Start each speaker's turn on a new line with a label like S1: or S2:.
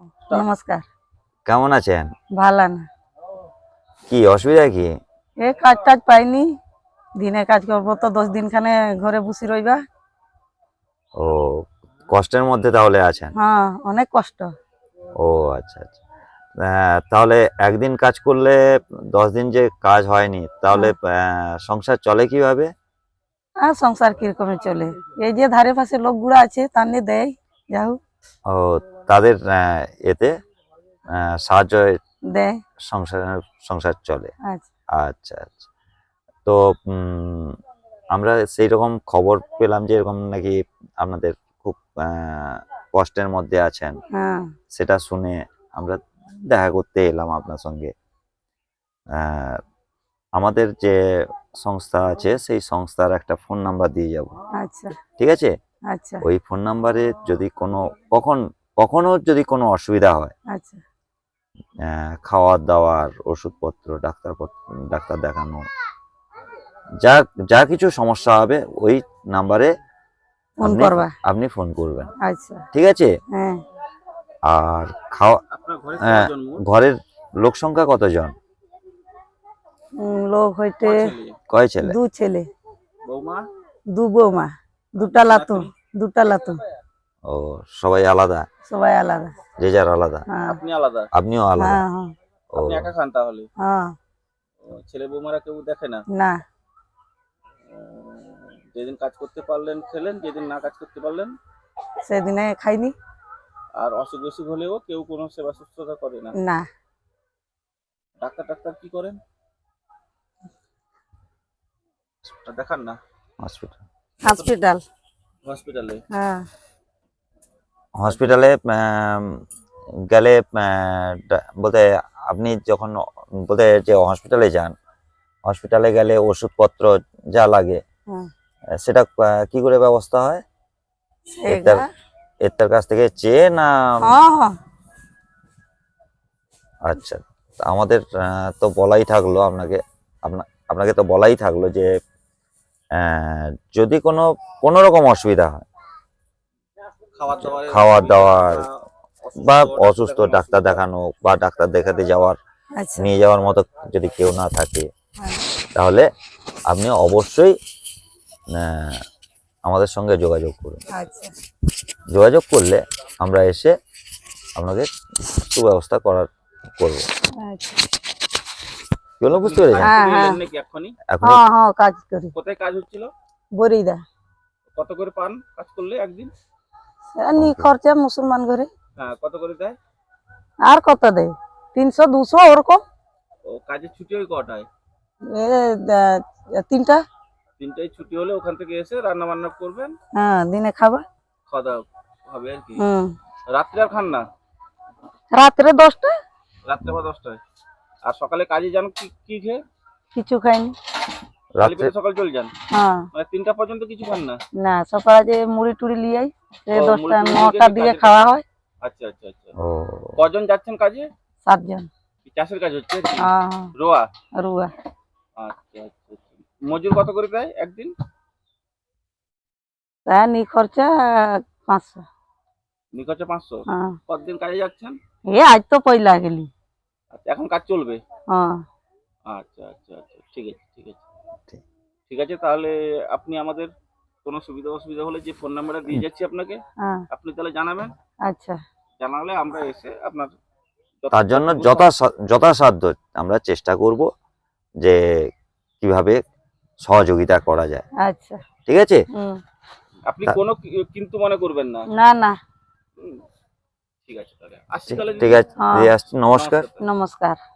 S1: নমস্কার।
S2: কেমন আছেন?
S1: ভালো না।
S2: কি অসুবিধা কি?
S1: এ কাজ টাজ পাইনি, দিনে কাজ করবো তো 10 দিন খানে ঘরে বসে রইবা।
S2: ও, কষ্টের মধ্যে তাহলে আছেন?
S1: হ্যাঁ, অনেক কষ্ট।
S2: ও আচ্ছা আচ্ছা। তাহলে একদিন কাজ করলে 10 দিন যে কাজ হয়নি, তাহলে সংসার চলে কিভাবে?
S1: আর সংসার কিরকমে চলে, এই যে ধারে পাশে লোকগুলো আছে তানে দেয়, যাও
S2: ও, তাদের এতে সাহায্য
S1: দেয়।
S2: সংসার সংসার চলে।
S1: আচ্ছা
S2: আচ্ছা আচ্ছা। তো আমরা সেই রকম খবর পেলাম যে এরকম নাকি আপনাদের খুব কষ্টের মধ্যে আছেন।
S1: হ্যাঁ
S2: সেটা শুনে আমরা দেখা করতে এলাম আপনার সঙ্গে। আহ, আমাদের যে সংস্থা আছে সেই সংস্থার একটা ফোন নাম্বার দিয়ে যাব,
S1: আচ্ছা
S2: ঠিক আছে?
S1: আচ্ছা
S2: ওই ফোন নাম্বারে যদি কখনো যদি কোনো অসুবিধা হয়,
S1: আচ্ছা
S2: খাওয়ার দাওয়ার, ওষুধপত্র, ডাক্তার দেখানো, যা যা কিছু সমস্যা হবে ওই নাম্বারে
S1: ফোন করবা।
S2: আপনি ফোন করবেন,
S1: আচ্ছা
S2: ঠিক আছে?
S1: হ্যাঁ।
S2: আর ঘরের লোক সংখ্যা কতজন?
S1: লোক হইতে
S2: কয় ছেলে?
S1: 2 ছেলে, 2 বৌমা, 2টা লাতু, 2টা লাতু।
S2: ও, সবাই আলাদা?
S1: সবাই আলাদা।
S2: যে যার আলাদা?
S1: হ্যাঁ
S3: আপনি আলাদা?
S2: আপনিও আলাদা?
S1: হ্যাঁ হ্যাঁ
S2: ও,
S3: আপনি একা খান তাহলে?
S1: হ্যাঁ।
S3: ছেলে বৌমারা কেউ দেখে না?
S1: না,
S3: যেদিন কাজ করতে পারলেন খেলেন, যেদিন না কাজ করতে পারলেন?
S1: সেদিনে খাইনি।
S3: আর অসুখ বিসুখ হলেও কেউ কোনো সেবা শুশ্রূষা করে না?
S1: না।
S3: ডাক্তার কি করেন? দেখান না?
S1: হসপিটাল।
S3: হসপিটালে?
S1: হ্যাঁ।
S2: হসপিটালে গেলে বলতে আপনি যখন বলতে যে হসপিটালে যান, হসপিটালে গেলে ওষুধপত্র যা লাগে
S1: হ্যাঁ।
S2: সেটা কি করে ব্যবস্থা হয়? এর কাছ থেকে চেয়ে না?
S1: হ্যাঁ হ্যাঁ।
S2: আচ্ছা, আমাদের তো বলাই থাকলো আপনাকে তো বলাই থাকলো যে যদি কোনো রকম অসুবিধা হয়, খাওয়ার দাওয়ার বা অসুস্থ ডাক্তার দেখানো বা ডাক্তার দেখাতে যাওয়ার,
S1: আচ্ছা
S2: নিয়ে যাওয়ার মতো যদি কেউ না থাকে,
S1: হ্যাঁ।
S2: তাহলে আপনি অবশ্যই আমাদের সঙ্গে যোগাযোগ করুন।
S1: আচ্ছা
S2: যোগাযোগ করলে আমরা এসে আপনাকে সুব্যবস্থা করবো।
S1: আচ্ছা।
S2: কি হলো, বুঝতে পেরেছেন?
S1: হ্যাঁ হ্যাঁ
S2: এখন
S1: হ্যাঁ হ্যাঁ, কাজ করি।
S3: কোথায় কাজ হচ্ছিল?
S1: বরিদা।
S3: কত করে পান কাজ করলে একদিন?
S1: নি খরচা মুসলমান ঘরে।
S3: হ্যাঁ, কত করে দেয়?
S1: আর কত দেয়, 300 200 ওরকম।
S3: ও, কাজের ছুটি ওই কটায়?
S1: 3টা।
S3: 3টায় ছুটি হলে ওখান থেকে এসে রান্না বান্না করবেন?
S1: হ্যাঁ, দিনে খাবা।
S3: খাওয়া দাওয়া হবে আর কি।
S1: হুম।
S3: রাত্রে আর খান না?
S1: রাত্রে 10টা।
S3: রাত্রে বা 10টায়। আর সকালে কাজে যান কি খেয়ে?
S1: কিছু খাইনি।
S2: রাত্রে
S3: সকাল চলে যান?
S1: হ্যাঁ।
S3: মানে 3টা পর্যন্ত কিছু খান না?
S1: না, সকালে যে মুড়ি টুড়ি লিয়াই,
S3: ও,
S1: 10টা
S3: মুড়ি টুড়ি
S1: 9টার দিকে খাওয়া হয়।
S3: আচ্ছা আচ্ছা আচ্ছা।
S2: ও,
S3: কজন যাচ্ছেন কাজে?
S1: 7 জন।
S3: চাষের কাজ হচ্ছে?
S1: হ্যাঁ
S3: রোয়া?
S1: রুয়া।
S3: আচ্ছা আচ্ছা আচ্ছা। মজুর কত করে দেয় একদিন?
S1: তা নি খরচা 500।
S3: নিখরচা 500?
S1: হ্যাঁ।
S3: কতদিন কাজে যাচ্ছেন?
S1: আজ তো পয়লা গেলি।
S3: আচ্ছা, এখন কাজ চলবে?
S1: হ্যাঁ।
S3: আচ্ছা আচ্ছা আচ্ছা, ঠিক আছে ঠিক আছে ঠিক আছে। তাহলে আপনি আমাদের কোনো সুবিধা অসুবিধা হলে যে ফোন নাম্বারটা দিয়ে যাচ্ছি আপনাকে,
S1: হ্যাঁ।
S3: আপনি তাহলে জানাবেন।
S1: আচ্ছা।
S3: জানালে আমরা এসে আপনার
S2: তার জন্য যথাসাধ্য আমরা চেষ্টা করব যে কিভাবে সহযোগিতা করা যায়,
S1: আচ্ছা
S2: ঠিক আছে?
S3: আপনি কোনো কিন্তু মনে করবেন না।
S1: না না।
S3: ঠিক আছে, তাহলে আসছি তাহলে।
S2: ঠিক আছে, আসছি। নমস্কার।
S1: নমস্কার।